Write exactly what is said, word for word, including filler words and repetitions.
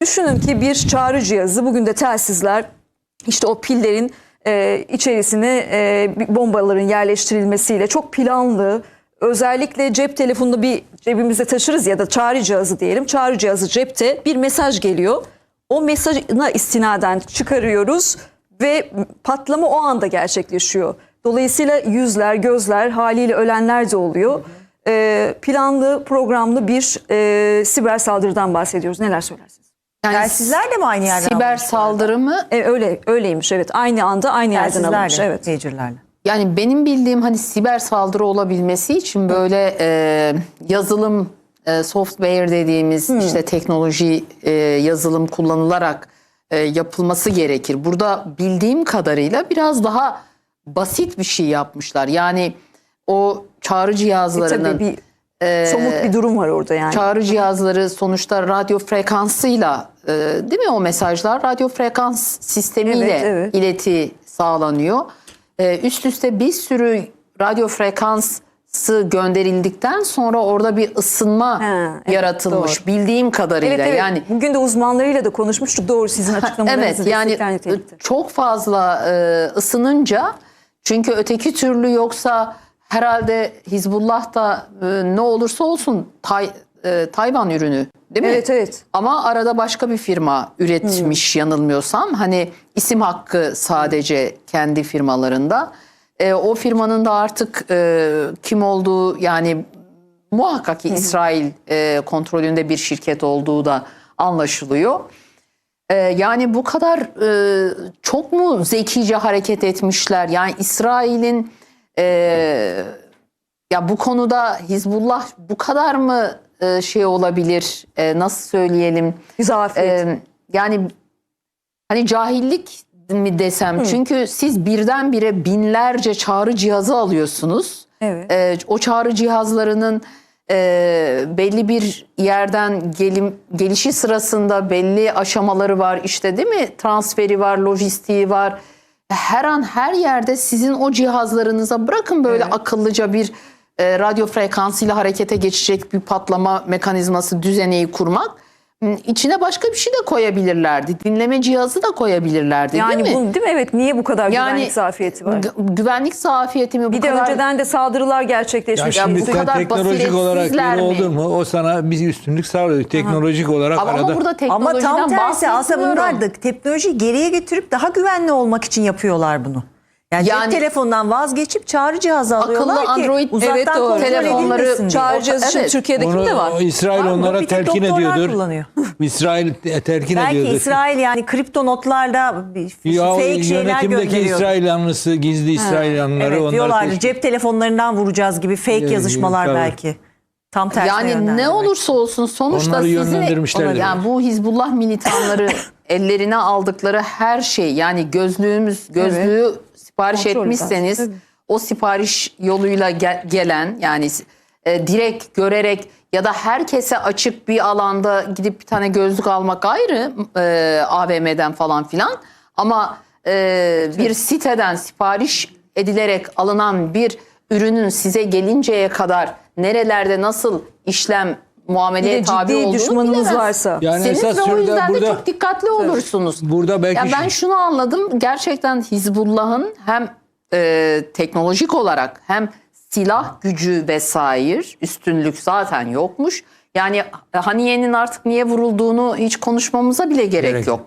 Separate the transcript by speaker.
Speaker 1: Düşünün ki bir çağrı cihazı, bugün de telsizler işte o pillerin e, içerisine e, bombaların yerleştirilmesiyle çok planlı, özellikle cep telefonunu bir cebimizde taşırız ya da çağrı cihazı diyelim. Çağrı cihazı cepte, bir mesaj geliyor. O mesajına istinaden çıkarıyoruz ve patlama o anda gerçekleşiyor. Dolayısıyla yüzler, gözler, haliyle ölenler de oluyor. E, planlı, programlı bir e, siber saldırıdan bahsediyoruz. Neler söylersiniz?
Speaker 2: Yani
Speaker 3: Telsizler de mi aynı yerden
Speaker 2: siber
Speaker 3: alınmış
Speaker 2: saldırı mı?
Speaker 1: E, öyle öyleymiş, evet. Aynı anda aynı yerden alınmış.
Speaker 3: Telsizlerle,
Speaker 1: Evet.
Speaker 3: pagerlerle.
Speaker 2: Yani benim bildiğim hani siber saldırı olabilmesi için böyle e, yazılım e, software dediğimiz işte teknoloji e, yazılım kullanılarak e, yapılması gerekir. Burada bildiğim kadarıyla biraz daha basit bir şey yapmışlar. Yani o çağrı
Speaker 1: E,
Speaker 2: cihazlarının
Speaker 1: tabii bir somut bir durum var orada yani.
Speaker 2: çağrı cihazları sonuçta radyo frekansıyla e, değil mi o mesajlar radyo frekans sistemiyle
Speaker 1: Evet, evet.
Speaker 2: ileti sağlanıyor. E, üst üste bir sürü radyo frekansı gönderildikten sonra orada bir ısınma
Speaker 1: Ha, evet,
Speaker 2: yaratılmış
Speaker 1: doğru.
Speaker 2: bildiğim kadarıyla.
Speaker 1: Evet, evet.
Speaker 2: Yani
Speaker 1: Bugün de uzmanlarıyla da konuşmuştuk. Doğru, sizin açıklamalarınızı
Speaker 2: evet yani
Speaker 1: destekleyen nitelikte.
Speaker 2: çok fazla e, ısınınca, çünkü öteki türlü yoksa herhalde Hizbullah da e, ne olursa olsun Tay, e, Tayvan ürünü değil mi?
Speaker 1: Evet, evet.
Speaker 2: Ama arada başka bir firma üretmiş yanılmıyorsam. Hani isim hakkı sadece kendi firmalarında. E, o firmanın da artık e, kim olduğu, yani muhakkak ki İsrail e, kontrolünde bir şirket olduğu da anlaşılıyor. E, yani bu kadar e, çok mu zekice hareket etmişler? Yani İsrail'in e, ya bu konuda Hizbullah bu kadar mı e, şey olabilir? E, nasıl söyleyelim?
Speaker 1: Zafiyet.
Speaker 2: E, yani hani cahillik mi desem? Çünkü siz birdenbire binlerce çağrı cihazı alıyorsunuz.
Speaker 1: Evet.
Speaker 2: E, o çağrı cihazlarının e, belli bir yerden gelim, gelişi sırasında belli aşamaları var. İşte değil mi? Transferi var, lojistiği var. Her an her yerde sizin o cihazlarınıza bırakın böyle
Speaker 1: Evet.
Speaker 2: akıllıca bir e, radyo frekansıyla harekete geçecek bir patlama mekanizması düzeneyi kurmak. İçine başka bir şey de koyabilirlerdi. Dinleme cihazı da koyabilirlerdi
Speaker 1: Yani
Speaker 2: değil mi?
Speaker 1: bu, değil mi? Evet. Niye bu kadar
Speaker 2: Yani
Speaker 1: güvenlik zafiyeti var?
Speaker 2: gü- güvenlik zafiyeti mi bu
Speaker 1: Bir de
Speaker 2: kadar?
Speaker 1: önceden de saldırılar
Speaker 4: Ya
Speaker 1: gerçekleşmiş.
Speaker 2: Ya
Speaker 4: şimdi
Speaker 2: bu
Speaker 4: sen
Speaker 2: kadar
Speaker 4: teknolojik olarak
Speaker 2: basiretsizler
Speaker 4: yeni
Speaker 2: mi?
Speaker 4: oldun mu o sana bir üstünlük sağlıyor. Teknolojik olarak
Speaker 2: Ama, ama
Speaker 4: arada.
Speaker 2: burada
Speaker 3: Ama
Speaker 2: teknolojiden
Speaker 3: tam tersi, aslında bunlar
Speaker 2: bahsetmiyorum.
Speaker 3: da teknolojiyi geriye getirip daha güvenli olmak için yapıyorlar bunu. Yani,
Speaker 2: Yani-
Speaker 3: cep telefonundan vazgeçip çağrı cihazı alıyorlar ki
Speaker 2: Android,
Speaker 3: uzaktan
Speaker 2: evet, doğru.
Speaker 3: kontrol
Speaker 2: Telefonları
Speaker 3: edilmesin diye.
Speaker 1: Çağrı cihazı için
Speaker 2: Evet.
Speaker 1: Türkiye'deki
Speaker 4: Onu
Speaker 1: de var.
Speaker 4: İsrail
Speaker 3: Var mı?
Speaker 4: onlara
Speaker 3: Bir tek
Speaker 4: telkin
Speaker 3: doktorlar
Speaker 4: ediyordur.
Speaker 3: kullanıyor.
Speaker 4: İsrail telkin
Speaker 3: Belki
Speaker 4: ediyordur.
Speaker 3: İsrail yani kripto notlarda bir
Speaker 4: Ya
Speaker 3: fake şeyler
Speaker 4: yönetimdeki
Speaker 3: gönderiyor.
Speaker 4: İsrail yanlısı, gizli İsrail yanlıları
Speaker 3: Evet
Speaker 4: onlar
Speaker 3: diyorlardı,
Speaker 4: teşvik-
Speaker 3: cep telefonlarından vuracağız gibi fake
Speaker 4: Evet,
Speaker 3: yazışmalar
Speaker 4: tabii.
Speaker 3: belki. Tam tersine
Speaker 2: Yani
Speaker 3: yönlendirmek.
Speaker 2: ne olursa olsun sonuçta
Speaker 4: Onları
Speaker 2: sizi
Speaker 4: yönlendirmişlerdir.
Speaker 2: yani bu Hizbullah militanları ellerine aldıkları her şey, yani gözlüğümüz gözlüğü sipariş
Speaker 1: Kontrol
Speaker 2: etmişseniz
Speaker 1: eder, tabii.
Speaker 2: o sipariş yoluyla gel- gelen, yani e, direkt görerek ya da herkese açık bir alanda gidip bir tane gözlük almak ayrı, e, A V M'den falan filan, ama e, bir siteden sipariş edilerek alınan bir ürünün size gelinceye kadar nerelerde nasıl işlem
Speaker 1: Bir
Speaker 2: muameleye
Speaker 1: de
Speaker 2: tabi
Speaker 1: ciddi
Speaker 2: olduğunu
Speaker 1: düşmanınız
Speaker 2: bilemez.
Speaker 1: varsa.
Speaker 4: Yani
Speaker 2: Seniz
Speaker 4: esas
Speaker 2: ve o
Speaker 4: şurada
Speaker 2: yüzden de
Speaker 4: burada
Speaker 2: çok dikkatli olursunuz.
Speaker 4: burada belki
Speaker 2: Ya ben
Speaker 4: şu-
Speaker 2: şunu anladım. Gerçekten Hizbullah'ın hem e, teknolojik olarak hem silah gücü vesaire üstünlük zaten yokmuş. Yani Haniye'nin artık niye vurulduğunu hiç konuşmamıza bile gerek,
Speaker 4: Gerek
Speaker 2: yok.